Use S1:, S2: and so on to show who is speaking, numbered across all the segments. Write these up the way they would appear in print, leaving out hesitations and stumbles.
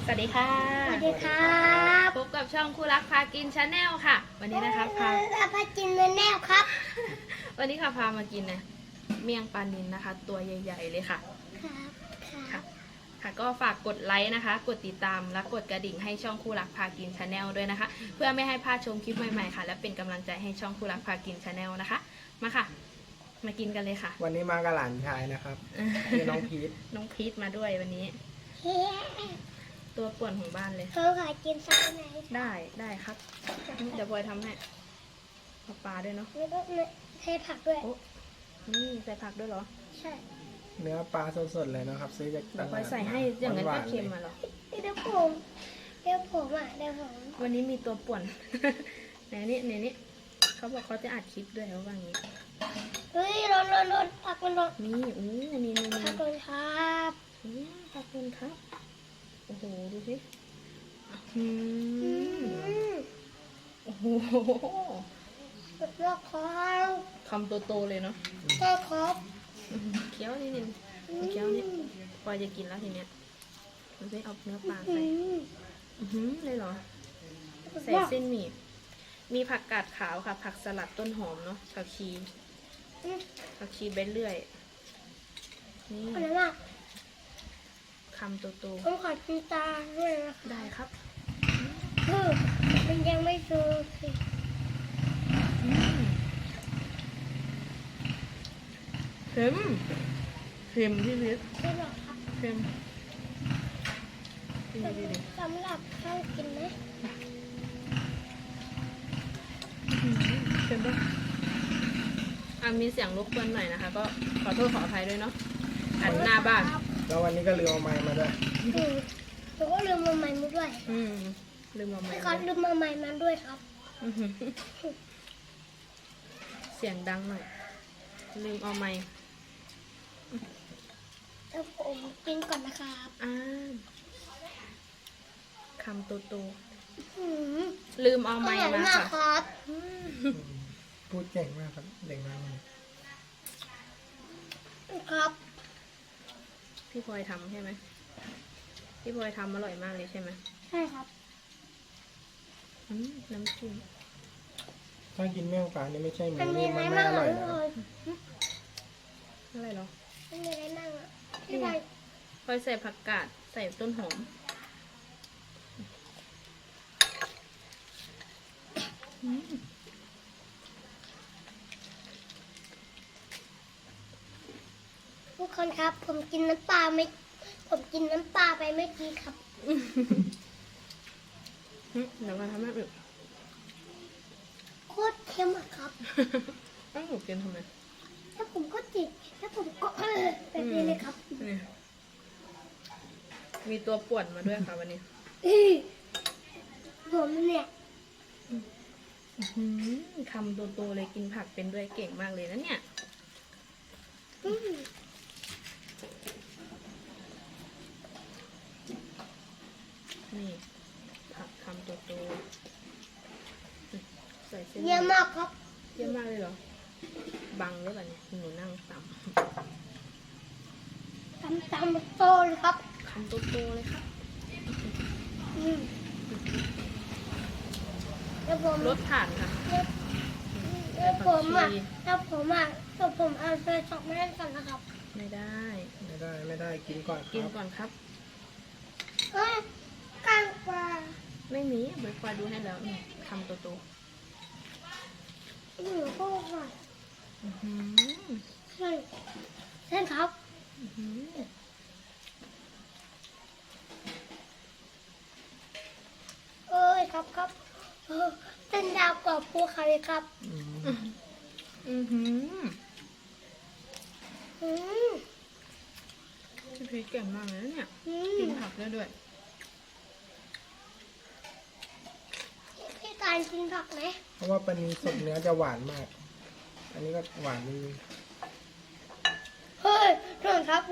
S1: สวัสดีค่ะ
S2: สวัสดีครับ
S1: พบกับช่องคู่รักพากินชาแนลค่ะวันนี้นะคะพา
S2: กินเนื้อแนวครับ
S1: วันนี้ค่ะพามากินนะเมี่ยงปลานิลนะคะ ตัวใหญ่ๆเลยค่ะค่ะก็ฝากกดไลค์นะคะ กดติดตามและกดกระดิ่งให้ช่องคู่รักพากินชาแนลด้วยนะคะ เพื่อไม่ให้พลาดชมคลิปใหม่ๆค่ะและเป็นกำลังใจให้ช่องคู่รักพากินชาแนลนะคะมาค่ะมากินกันเลยค่ะ
S3: วันนี้มากับหลานชายนะครับคือน้องพีท
S1: น้องพีทมาด้วยวันนี้ตัวป่วนของบ้านเลย
S2: เขาขายกินซักไหน
S1: ได้ครับเดี๋ยวพลอยทำให้เอาปลาด้วยเนาะ
S2: แล้วก็เทผักด้วย
S1: นี่ใส่ผักด้วยเหรอ
S2: ใช่
S3: เนื้อปลาสดๆเลยนะครับซื้อจากตลาด
S1: พลอยใส่ให้อย่างนั้นก็เค็มมาหรอ
S2: เดี๋ยวผมเดี๋ยวผม
S1: วันนี้มีตัวป่วนในนี้เขาบอกเขาจะอัดคลิปด้วยเขาว่างี้
S2: เฮ้ยร้อนผักมันร้อน
S1: นี่นี่
S2: ผักเลยครับ
S1: ผักเลยครับโอ้โหดูสิโอ้โห
S2: เลือกครับ
S1: คำโตๆเลยเนาะ
S2: ใช่ครับ
S1: เคี้ยวนิดนึงเคี้ยวนี่พอจะกินแล้วทีเนี้ยดูสิเอาเนื้อปลาใส่เลยเหรอใส่เส้นหมี่มีผักกาดขาวค่ะผักสลัดต้นหอมเนาะผักชีใบเลื่อยนี่คำโตๆ
S2: ผมขอกินตาด้วยนะ
S1: ได้ครับ
S2: มันยังไม่สุกสิ
S1: เค็มที่พิษ
S2: ไม่หรอกครับ
S1: เค็ม
S2: สำหรับข้าวกินนะ
S1: เค็มปะมีเสียงรบกวนหน่อยนะคะก็ขอโทษขออภัยด้วยเนาะอันหน้าบ้าน
S3: แล้ววันนี้ก็ลืมเอาไม้มาด้วย
S2: แล้วก็ลืมมาใหม่มาด้วย
S1: ลืมเอาไม้
S2: ครับลืมมาใหม่มาด้วยครับ
S1: เสียงดังหน่อยลืมเอาไม้
S2: แล้วผมกินก่อนนะครับ
S1: คำโตๆลืมเอาไม้มาค่ะ
S3: พูดเก่งมากครับเด็กมาก
S2: ครับ
S1: พี่พลอยทำใช่ไหมพี่พลอยทำอร่อยมากเลยใช่ไหม
S2: ใช่ครับ
S1: น้ำจิ้ม
S3: ถ้ากินเมี่ยงปลานี่ไม่ใช่หมูนี่มันไม่อร่อยนะ
S1: อะไรหรอ
S2: มันมีอะไรนั่งอ่ะ
S1: พี่พลอยใส่ผักกาดใส่ต้นหอม
S2: ทุกคนครับผมกินน้ำปลาไปเมื่อกี้ครับ
S1: เดี๋ยวมาทำให้อีก
S2: โคตรเค็มอะครับ
S1: หนูกินทำไม
S2: แล้วผมก็จิบแล้วผมก็แบบนี้เลยครับ
S1: นี่มีตัวป่วนมาด้วยค่ะวันนี้
S2: ผมเนี่ย
S1: คำโตๆเลยกินผักเป็นด้วยเก่งมากเลยนะเนี่ยนี่ผักคำโตๆใส่เส้น
S2: เยอะมากครับ
S1: เยอะมากเลยเหรอบังหรือเปล่าเนี่ยหนูนั่งต่ำ
S2: โตเลยครับ
S1: คำโตๆเลยครับรสผ่านค่ะ
S2: แล้วผมเอาไปช็อกไม่ได้ก่อนนะครับ
S1: ไม่
S3: ได้กินก่อน
S1: ครับ
S2: ก้างปลา
S1: ไม่มีใบควายดูให้แล้วคำโตๆ
S2: หนูก็ค่ะใช่ครับครับเป็นดาวกรอบภูเขาเลยครับ
S1: พี่เก่งมากเลยเนี่ยกินผักได้ด้วย
S2: พี่การกินผักไหม
S3: เพราะว่าปลานิลสดเนื้อจะหวานมากอันนี้ก็หวานดี
S2: เฮ้ยโดนครับ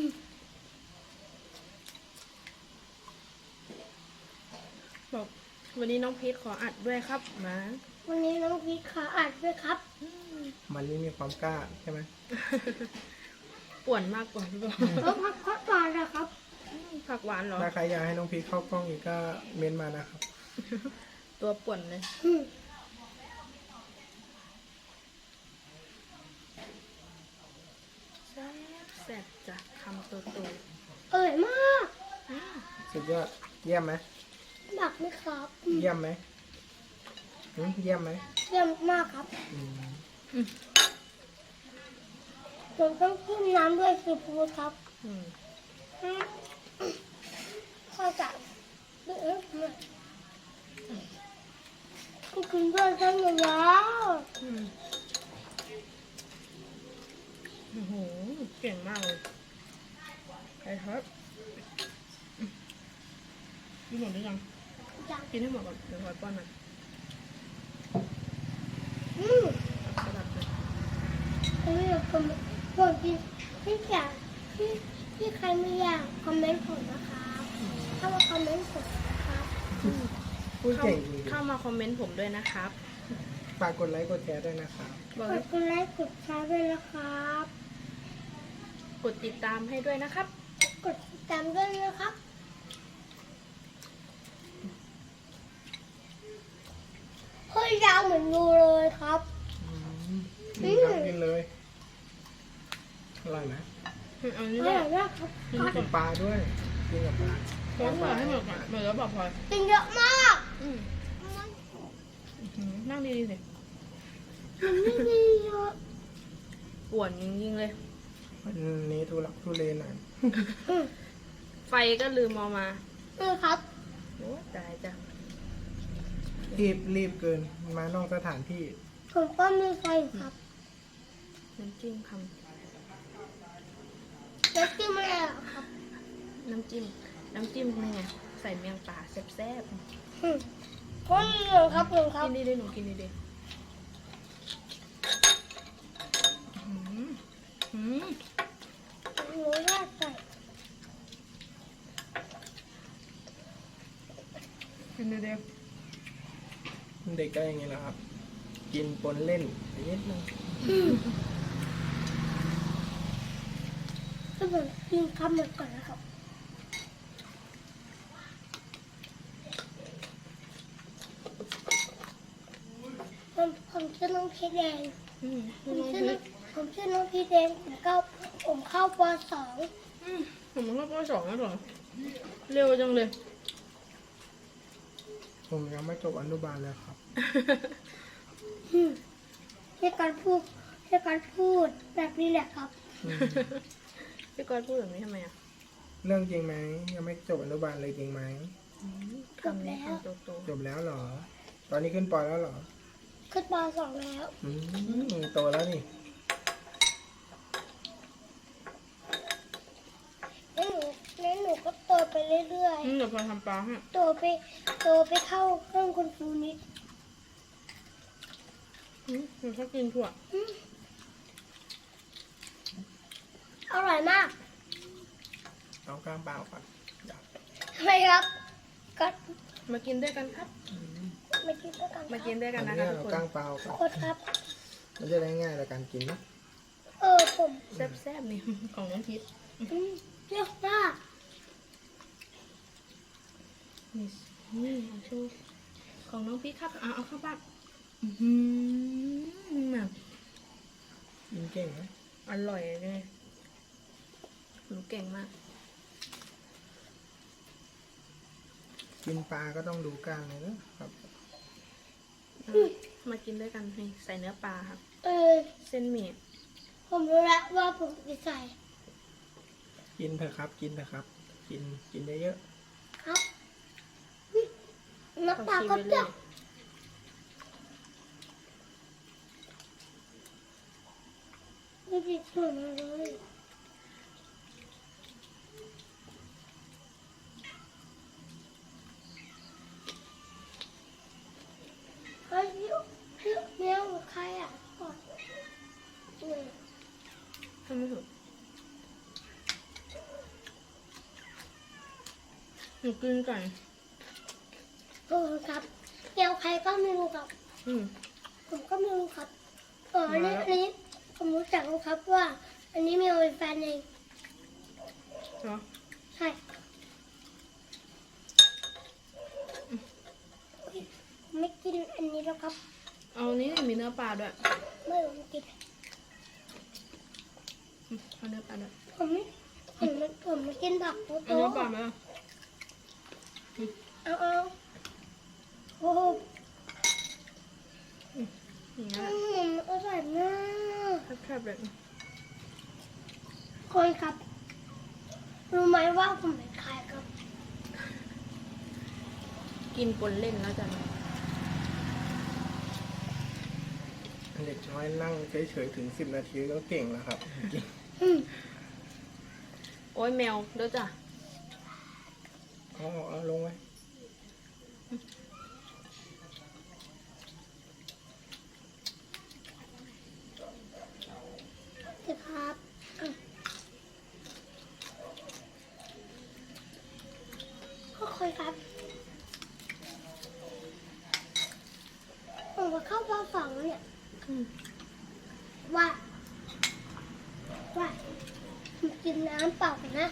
S1: บอกวันนี้น้องพีทขออัดด้วยครับมา
S2: วันนี้น้องพีทขาอัดด้วยครับ
S3: มันนี่มีความกล้าใช่ไหม
S1: ป่วนมากกว่าพี่บอล
S2: แล้วพักพักก่อนนะครับ
S1: ผักหวานเหรอ
S3: ถ้าใครอยากให้น้องพีทเข้ากล้องอีกก็เม้นมานะครับ
S1: ตัวป่วนเลย
S2: อืม
S1: แซ่บจ้ะคำโต
S2: อร่อยมาก
S3: สุดยอด เยี่ยมไหม
S2: ดักไหมครับอืม
S3: เยี่ยมไหมเยี่ยมไหม
S2: เยี่ยมมากครับ
S3: อืม
S2: ผมต้องกินน้ำด้วยซีฟู้ดครับ
S1: ๆอืม
S2: อืมเข้าใจกินด้วยกันอยู่แล้ว
S1: อืมโอ้โหเก่งมากเลยไอ้ท็อปกินหมดหรือยัง
S2: อยาก
S1: กินให้หมดก่อนเดี๋ยวคอยป้อนมัน
S2: อืม
S1: สลับเลย
S2: อันนี้ผมบอกที่ที่อยากที่ใครไม่อยากคอมเมนต์ผมนะครับเข้ามาคอมเมนต์ผมนะครับ
S3: พูดเก่งจริง
S1: เข้ามาคอมเมนต์ผมด้วยนะครับ
S3: ๆฝากกดไลค์กดแชร์ด้วยนะครับ
S1: บอก
S2: ก
S1: ให้
S2: ดไลค์กดแชร์ด้วยนะครับ
S1: กดติดตามให้ด้วยนะครับ
S2: กดติดตามด้วยนะครับเฮ้ยยาวเหมือนงูเลยครับ
S3: กินครับกินเลยอร่อยไหม
S1: เอา
S2: อ
S1: นี่
S2: ร่
S1: แห
S2: อ
S1: ละ
S2: ยมากครับ
S3: กินกับปลาด้วยกินกับปลา
S1: ขอให้หมดให้หมดก่อนหมดแล้วบอกพลอย
S2: กินเยอะมาก
S1: อืมนั่งดีๆสิ
S2: มันไม่มีเยอะ
S1: ป่วนจริงๆเลย
S3: วันนี้ทุลักทุเลหน่อย
S2: อืม
S1: ไฟก็ลืมเอามา
S2: นี่ครับ
S1: โอ้ตายจ้ะ
S3: รีบเกินมานอกสถานที่
S2: ผมก็มีไฟครับ
S1: น้ำจิ้มค
S2: แล้วกินอะไรอ่ะครับ
S1: ำน้ำจิ้มนี่ไงใส่เมียงป่าแซ่บ
S2: อืมก็มีหนึ่งครับหนึ่ง
S1: ๆ
S2: ครับ
S1: กินดีๆหนูกินดีๆอืม
S2: หนูราดใส่
S1: กินดี
S3: เด็กก็อย่างนี้แหละครับ กินปนเล่นไปนิดนึง
S2: ก็เหมือนกินคำหมดก่อนนะครับผมชื่อน้องพีแดง
S1: ๆอืม
S2: ผมชื่อน้องพีแดงผมเข้าป .2
S1: ผมก็ปสองแล้วเหรอเร็วจังเลย
S3: ผมยังไม่จบอนุบาลเลยครับ
S2: ให้การพูดแบบนี้แหละครับ
S1: พี่ก้อยพูดแบบนี้ทำไมอ่ะ
S3: เรื่องจริงไหมยังไม่จบอนุบาลเลยจริงไหม
S1: คำนี้คำโต
S3: จบแล้วเหรอ ตอนนี้ขึ้นปอแล้วเหรอ
S2: ขึ้นป .2 แล้ว
S3: โตแล้วนี่
S2: แล้วหนูก็โตไปเรื่อย
S1: ๆเดี๋ยวพอทำปลาให้
S2: ๆโตไปเข้าเครื่องคุณครูนิด
S1: หนูชอบกินถั่ว
S2: อร่อยมาก
S3: เอากล้างเปล่าก่อนอยาก
S2: ทำไมครับก็
S1: มากินด้วยกันครับ
S2: มากินด้วยกัน
S1: มากินด้วย
S3: อั
S1: กัน
S3: น
S1: นะ
S3: นี้
S1: คะทุก
S3: เอา
S1: ค
S3: กล้าน งเปล่าก่อน
S2: โคตรครับ
S3: มันจะได้ง่ายในการกินนะ
S2: ผม
S1: แซ่บๆนี่ ของน้องพิษ
S2: เปรี้ยวมาก
S1: นี่เอาโชว์ของน้องพิษครับเอาเข้าปากแบบ
S3: กินเก่งนะ
S1: อร่อยเลยหนูเก่งมาก
S3: กินปลาก็ต้องดูกล้างเลยนะครับ
S1: มากินด้วยกันนี่ใส่เนื้อปลาครับ เส้นหมี่
S2: ผมรู้แล้วว่าผมจะใส่
S3: กินเถอะครับ กินเถอะครับ กินเยอะ
S2: ครับน้ำตา
S1: ชี
S2: ก็
S1: วิต
S2: เป
S1: เล
S2: รี้ยวย ไม่ติดส่วนเลยเฮ้ยพี่เมียวใครอ่ะก่อนเนี่ย
S1: ทำไม่ถูกหนูกินก่อน
S2: ฮครับเดี๋ยวใครก็ไม่รู้ครับ
S1: อืม
S2: ผมก็ไม่รู้ครับอันนี้ผมรู้จักครับว่า อันนี้มีโอเป็นแฟนเอง
S1: เนาะ
S2: ใช่ไม่กินอันนี้แล้วครับ
S1: เอานี้มีเนื้อปลาด้วย
S2: ไม่ผมกิน
S1: เอาเนื้อปลาด้วย
S2: ผมไม่กินผักโต
S1: เอาเนื้อปลาไหมล่ะ
S2: เอาโอ้โห
S1: อย่างเงี้ย
S2: อร่อยมาก
S1: แคบๆเลย
S2: คนครับ รู้ไหมว่าผมเป็นใครครับ
S1: กินปนเล่นแล้วจ้ะ
S3: เด็กน้อยนั่งเฉยๆถึง10 นาทีก็เก่งแล้วครับจริง
S1: โอ้ยแมวเด้อจ้ะ
S3: เอาลงไว้
S2: สิครับก็คุยครับผมว่าเข้าป .2 แล้วเนี่ย
S1: อืม
S2: ว่าผมกินน้ำเปล่ากันนะ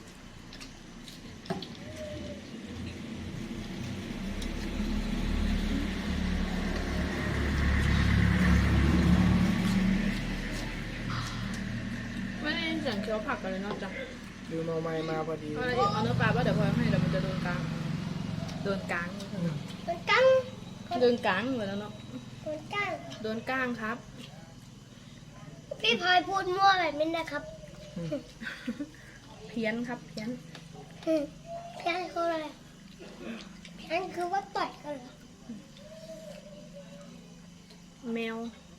S1: ไม่ได้ยินเสียงเคี้ยวผักกันเลยเนอกจ้ะ
S3: ลืมเอาไม้มาพอดี
S1: เอาอะไรอีกเอาเนื้อปลาป่ะเดี๋ยวพอให้เดี๋ยวมันจะโดนกลางโดนกลาง
S2: มันกั้ง
S1: โดนกลางหมดแล้วเนาะ
S2: มันกั้ง
S1: โดนกลางครับ
S2: พี่พลอยพูดมั่วแบบนี้นะครับ
S1: เพี้ยนครับเพี้ยน
S2: เพี้ยนคืออะไรเพี้ยนคือว่าต่อยกันเหรอ
S1: แมว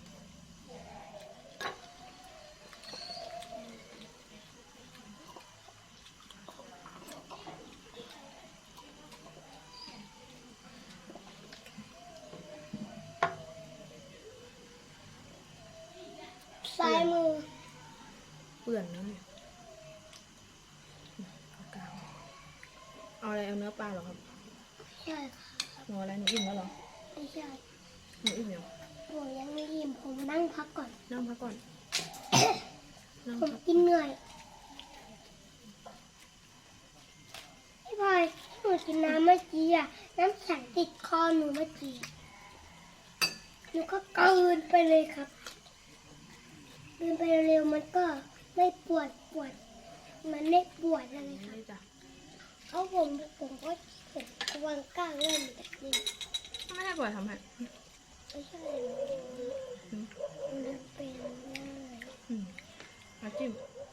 S2: ซ้ายมือ
S1: เปื่อนนะเนี่ยเอากลางเอาอะไรเอาเนื้อปลาเหรอครับ
S2: ใช่ค่ะ
S1: หนูอะไรหนูอิ่มแล้วเหรอ
S2: ไม่ใช่
S1: หนูอิ่มยัง
S2: ผมยังไม่อิ่มผมนั่งพักก่อน
S1: นั่งพักก่อนนั่ง
S2: ผม
S1: พัก
S2: กินเหนื่อยพี่พลอยหนูกินน้ำเมื่อกี้อะน้ำแข็งติดคอหนูเมื่อกี้หนูก็กลืนไปเลยครับกลืนไปเร็วๆมันก็ไม่ปวดมันไม่ปวดอะไรครับ
S1: นี่จ้ะ
S2: เพราะผมก็เห็นวางก้างเล่นแบบนี้
S1: ไม่ให้ปล่อยทำให้
S2: ไม่ใช่มันเป็นง่าย
S1: อืมมาจิ้ม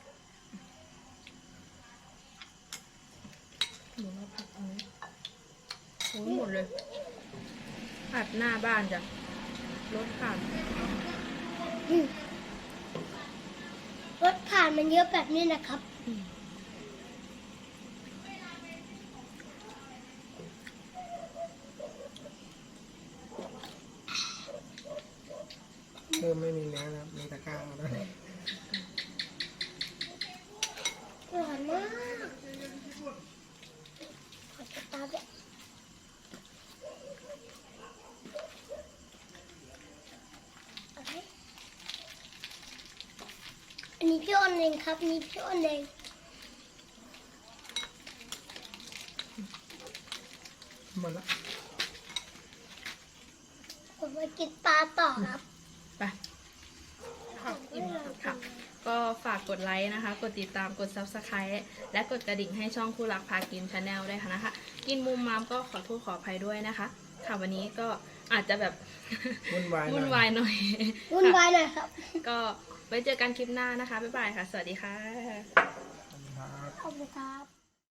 S1: หนูมาผัดอันนี้โอ้ยหมดเลยผัดหน้าบ้านจ้ะรถผ่าน
S2: รถผ่านมันเยอะแบบนี้นะครับ
S1: อืม
S3: เริ่มไม่มีเนื้อแล้วมีตะกร้าแล้ว
S2: อร่อยมากขอจะตาแบบอะไรอันนี้พี่อ้นเองครับนี่พี่อ้นเอง
S3: หมดละ
S2: ผมมากินปลาต่อครับ
S1: ไปค่ะอิ่มค่ะ ก็ฝากกดไลค์นะคะ กดติดตาม กด Subscribe และกดกระดิ่งให้ช่องคู่รักพากินชาแนลด้วยค่ะนะคะ กินมุมมามก็ขอโทษขออภัยด้วยนะคะ ค่ะวันนี้ก็อาจจะแบบ
S3: วุ่นวายหน่
S1: วุ่
S3: อน
S1: วาย
S3: ย
S1: หน่อย
S2: วุ่นวายหน่อยครับ
S1: ก็ไว้เจอกันคลิปหน้านะคะ บ๊ายบายค่ะ สวัสดีค่ะ
S3: ครับ
S2: ขอบคุณครับ